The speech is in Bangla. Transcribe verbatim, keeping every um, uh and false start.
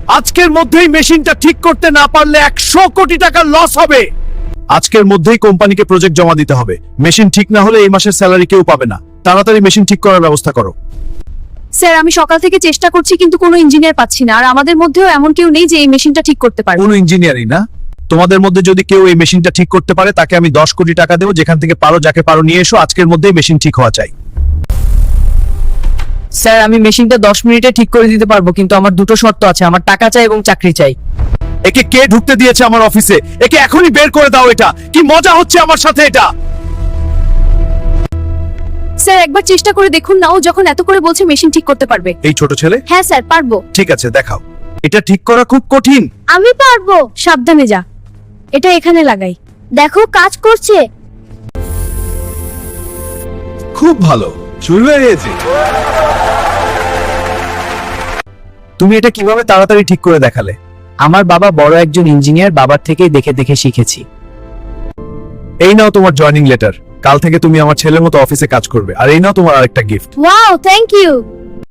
আজকের মধ্যেই মেশিনটা ঠিক করতে না পারলে একশো কোটি টাকার লস হবে। আজকের মধ্যেই কোম্পানিকে প্রজেক্ট জমা দিতে হবে। মেশিন ঠিক না হলে এই মাসের স্যালারি কেউ পাবে না। তাড়াতাড়ি মেশিন ঠিক করার ব্যবস্থা করো। স্যার আমি সকাল থেকে চেষ্টা করছি কিন্তু কোনো ইঞ্জিনিয়ার পাচ্ছি না, আর আমাদের মধ্যেও এমন কেউ নেই যে এই মেশিনটা ঠিক করতে পারবে। কোনো ইঞ্জিনিয়ারই না? তোমাদের মধ্যে যদি কেউ এই মেশিনটা ঠিক করতে পারে তাকে আমি দশ কোটি টাকা দেবো। যেখান থেকে পারো যাকে পারো নিয়ে এসো। আজকের মধ্যেই মেশিন ঠিক হওয়া চাই। স্যার আমি মেশিনটা দশ মিনিটে ঠিক করে দিতে পারবো, কিন্তু আমার দুটো শর্ত আছে। আমার টাকা চাই এবং চাকরি চাই। একে কে ঢুকতে দিয়েছে আমার অফিসে? একে এখনই বের করে দাও। এটা কি মজা হচ্ছে আমার সাথে এটা? স্যার একবার চেষ্টা করে দেখুন না, ও যখন এত করে বলছে মেশিন ঠিক করতে পারবে। এই ছোট ছেলে? হ্যাঁ স্যার পারবো। ঠিক আছে, দেখাও। এটা ঠিক করা খুব কঠিন। আমি পারবো। সাবধানে যা, এটা এখানে লাগাই। দেখো কাজ করছে। খুব ভালো, শুরু হয়ে গেছে। তুমি এটা কিভাবে তাড়াতাড়ি ঠিক করে দেখালে? আমার বাবা বড় একজন ইঞ্জিনিয়ার, বাবার থেকেই দেখে দেখে শিখেছি। এই নাও তোমার জয়েনিং লেটার। কাল থেকে তুমি আমার ছেলের মতো অফিসে কাজ করবে। আর এই নাও তোমার আরেকটা গিফট। Wow thank you.